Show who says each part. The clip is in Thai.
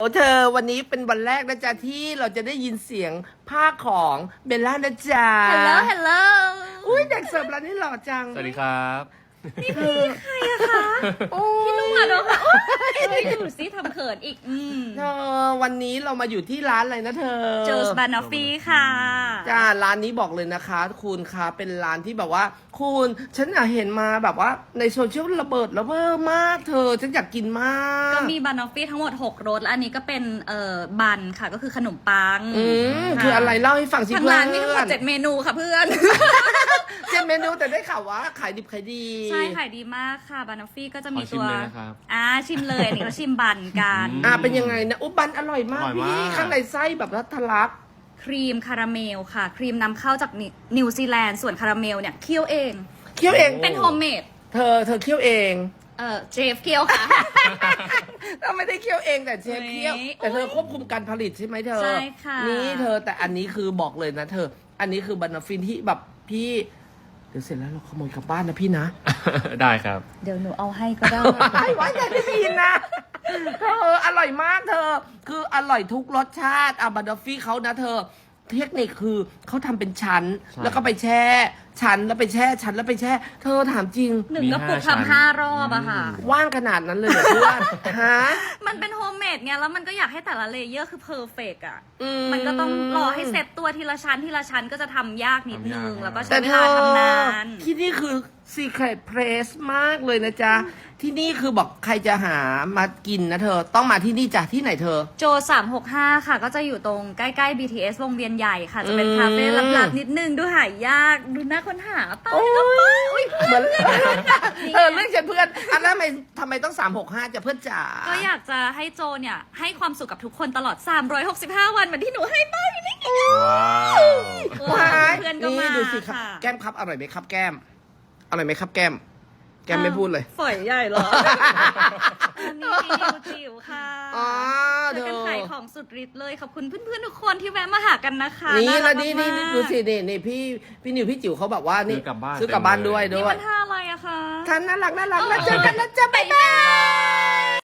Speaker 1: โอ้เธอวันนี้เป็นวันแรกนะจ๊ะที่เราจะได้ยินเสียงภาคของเบลล่านะจ๊ะ
Speaker 2: Hello Hello
Speaker 1: อุ้ยเด็กเสิร์ฟร้านนี้หล่อจัง
Speaker 3: สวัสดีครับ
Speaker 2: ใครอะคะ
Speaker 1: โอ้
Speaker 2: พี่นุ่มอะเนาะค่ะโอ๊ยดูสิทำเขินอีก
Speaker 1: เธอวันนี้เรามาอยู่ที่ร้านอะไรนะเธอ
Speaker 2: โจสบานอฟฟี่ค่ะ
Speaker 1: จ้าร้านนี้บอกเลยนะคะ คุณคะเป็นร้านที่แบบว่า คุณฉันอยากเห็นมาแบบว่าในโซเชียลระเบิดระเบ้อมากเธอฉันอยากกินมาก
Speaker 2: ก็มีบานอฟฟี่ทั้งหมด6รสและอันนี้ก็เป็นบันค่ะก็คือขนมปัง
Speaker 1: คืออะไรเล่าให้ฟังสิ
Speaker 2: ทาง
Speaker 1: เพื่อ
Speaker 2: ร้านมีทั้งหมด7เมนูค่ะเพื่อน
Speaker 1: เจ็ดเมนูแต่ได้ข่าวว่าขายดิบขายดี
Speaker 2: ใช่ขายดีมากค่ะบานอฟฟี่ก็จะมี
Speaker 3: ขอชิ
Speaker 2: ตั
Speaker 3: ม
Speaker 2: ว
Speaker 3: เลยนะครับ
Speaker 2: ชิมเลยอันนี้ก็ชิมบันกัน
Speaker 1: เป็นยังไงนะอุ๊บบันอร่อยมาก
Speaker 3: อร่อยมาก
Speaker 1: พี่ข้างในไส้แบบทะลัก
Speaker 2: ครีมคาราเมลค่ะ ครีมนำเข้าจากนิวซีแลนด์ส่วนคาราเมลเนี่ยเคี่ยวเอง
Speaker 1: เคี่ยวเอง
Speaker 2: เป็นโฮมเมด
Speaker 1: เธอเคี่ยวเอง
Speaker 2: เชฟเคี่ยวค่ะ
Speaker 1: เราไม่ได้เคี่ยวเองแต่เชฟเคี่ยว
Speaker 2: เฮ้ย
Speaker 1: แต่เธอควบคุมการผลิตใช่ไหมเธอ
Speaker 2: ใช่ค่ะ
Speaker 1: นี่เธอแต่อันนี้คือบอกเลยนะเธอ อันนี้คือบานาฟินที่แบบพี่เดี๋ยวเสร็จแล้วเราขโมยกลับบ้านนะพี่นะ
Speaker 3: ได้ครับ
Speaker 2: เดี๋ยวหนูเอาให้ก็ได้
Speaker 1: ไว้ใจไม่ได้ยินนะเธออร่อยมากเธอ คืออร่อยทุกรสชาติบานาฟิเขานะเธอ เทคนิคคือเขาทำเป็นชั้น
Speaker 3: ใช่
Speaker 1: แล้วก็ไปแช่ชั้นแล้วไปแช่ชั้นแล้วไปแช่ เธอถามจริง
Speaker 2: หนึ่งกระปุก
Speaker 3: มี5ชั้น
Speaker 2: ทำ5 รอบอะค่ะ
Speaker 1: ว่างขนาดนั้นเลยเหรอเพื่อนฮะ
Speaker 2: มันเป็นโฮมเมดไงแล้วมันก็อยากให้แต่ละเลเยอร์คือเพอร์เฟกอะ
Speaker 1: อื
Speaker 2: มันก็ต้องรอให้เซตตัวทีละชั้นทีละชั้นก็จะทำยากนิดนึง
Speaker 3: ทำยาก
Speaker 2: แล้วก็ใช้
Speaker 1: แต่
Speaker 2: เว
Speaker 1: เธ
Speaker 2: ลา
Speaker 1: อ
Speaker 2: ทำนาน
Speaker 1: ที่นี่คือ Secret Place มากเลยนะจ๊ะ ที่นี่คือบอกใครจะหามากินนะเธอ ต้องมาที่นี่จ้ะที่ไหนเธอ
Speaker 2: โจ365 ค่ะ ก็จะอยู่ตรงใกล้ๆ BTS วงเวียนใหญ่ค่ะ จะเป็น
Speaker 1: อืม
Speaker 2: คาเฟ่ลับๆนิดนึงดูหายากดูน่าค้นหาไป
Speaker 1: โอ้
Speaker 2: ก็ไป
Speaker 1: ยเหมือนเรื่องฉันเพื่อนอันนั้นทำไมต้อง365จะเพื่อนจ๋า
Speaker 2: ก็อยากจะให้โจเนี่ยให้ความสุขกับทุกคนตลอด 365 วันเหมือนที่หนูให้ป้าอยู่นี่
Speaker 3: ว้าว
Speaker 1: ว้าย
Speaker 2: เพื่อนก็
Speaker 1: นี่
Speaker 2: มา
Speaker 1: ดูสิครับ
Speaker 2: ค่ะ
Speaker 1: แก้มครับอร่อยไหมครับแก้มอร่อยไหมครับแก้ม แก้มไม่พูดเลย
Speaker 2: ฝอยใหญ่เหรอ อันนี้จิ๋วค่ะ
Speaker 1: อ๋อ
Speaker 2: ช่วยกัน
Speaker 1: เธอ
Speaker 2: ขายของสุดฤทธิ์เลย ขอบคุณเพื่อนๆทุกคนที่แวะมาหากันนะคะ
Speaker 1: นี่
Speaker 2: ารั
Speaker 1: แล้ว
Speaker 2: ก
Speaker 1: นี่
Speaker 2: มากๆ
Speaker 1: ดูสินี่พี่นิวพี่จิ๋วเขาแบบว่านี่
Speaker 3: ซื้อกลับบ้าน
Speaker 1: ซื้อกลับบ้านด้วย
Speaker 2: นี่มันท่าอะไรอะคะ
Speaker 1: ท่านน่ารักแล้วเจอกันนะจ๊ะบ๊ายบาย